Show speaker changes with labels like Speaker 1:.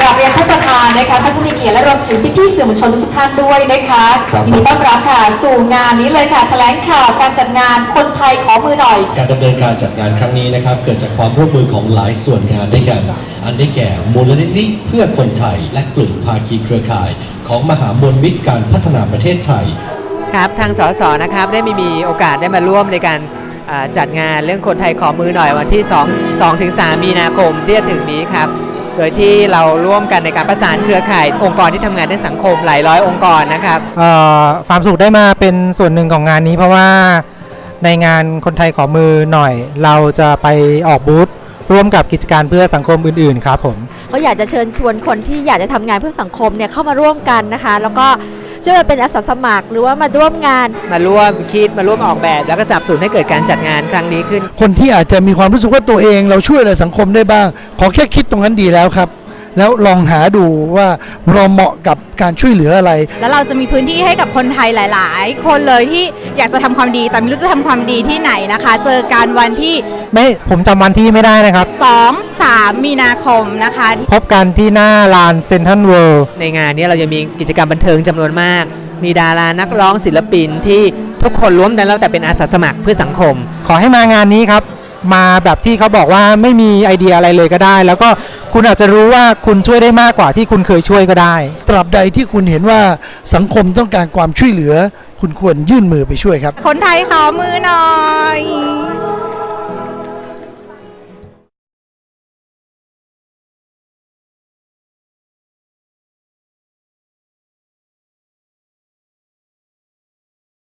Speaker 1: กราบเรียนท่านประธานนะคะท่านผู้มีเกียรติและรวมถึงพี่ๆสื่อมวลชนทุกท่านด้วยนะคะยินดีต้อนรับค่ะสู่งานนี้เลยค่ะแถลงข่าวการจัดงานคนไทยขอมือหน่อย
Speaker 2: การดำเนินการจัดงานครั้งนี้นะครับเกิดจากความร่วมมือของหลายส่วนงานด้วยกันอันได้แก่มูลนิธิเพื่อคนไทยและกลุ่มภาคีเครือข่ายของมหามวลมิตรการพัฒนาประเทศไทย
Speaker 3: ครับทางสสนะครับได้มีโอกาสได้มาร่วมในการจัดงานเรื่องคนไทยขอมือหน่อยวันที่2 ถึง 3 มีนาคมที่จะถึงนี้ครับโดยที่เราร่วมกันในการประสานเครือข่ายองค์กรที่ทำงานในสังคมหลายร้อยองค์กรนะครับ
Speaker 4: ความสุขได้มาเป็นส่วนหนึ่งของงานนี้เพราะว่าในงานคนไทยขอมือหน่อยเราจะไปออกบูธร่วมกับกิจการเพื่อสังคมอื่นๆครับผม
Speaker 5: ก็อยากจะเชิญชวนคนที่อยากจะทำงานเพื่อสังคมเนี่ยเข้ามาร่วมกันนะคะแล้วก็ช่วยมาเป็นอาสาสมัครหรือว่ามาร่วมงาน
Speaker 3: มาร่วมคิดมาร่วมออกแบบแล้วก็สนับสนุนให้เกิดการจัดงานครั้งนี้ขึ้น
Speaker 6: คนที่อาจจะมีความรู้สึกว่าตัวเองเราช่วยอะไรสังคมได้บ้างขอแค่คิดตรงนั้นดีแล้วครับแล้วลองหาดูว่าเราเหมาะกับการช่วยเหลืออะไร
Speaker 7: แล้วเราจะมีพื้นที่ให้กับคนไทยหลายๆคนเลยที่อยากจะทำความดีแต่ไม่รู้จะทำความดีที่ไหนนะคะเจอกันวันที่
Speaker 4: ผมจำวันที่ไม่ได้นะครับ
Speaker 7: 2-3 มีนาคมนะคะ
Speaker 4: พบกันที่หน้าลานเซ็นทรัลเวิลด์
Speaker 3: ในงานนี้เราจะมีกิจกรรมบันเทิงจำนวนมากมีดารานักร้องศิลปินที่ทุกคนร่วมกันแล้วแต่เป็นอาสาสมัครเพื่อสังคม
Speaker 4: ขอให้มางานนี้ครับมาแบบที่เขาบอกว่าไม่มีไอเดียอะไรเลยก็ได้แล้วก็คุณอาจจะรู้ว่าคุณช่วยได้มากกว่าที่คุณเคยช่วยก็ได้
Speaker 6: ตราบใดที่คุณเห็นว่าสังคมต้องการความช่วยเหลือคุณควรยื่นมือไปช่วยครับ
Speaker 7: คนไทยขอมือหน่อย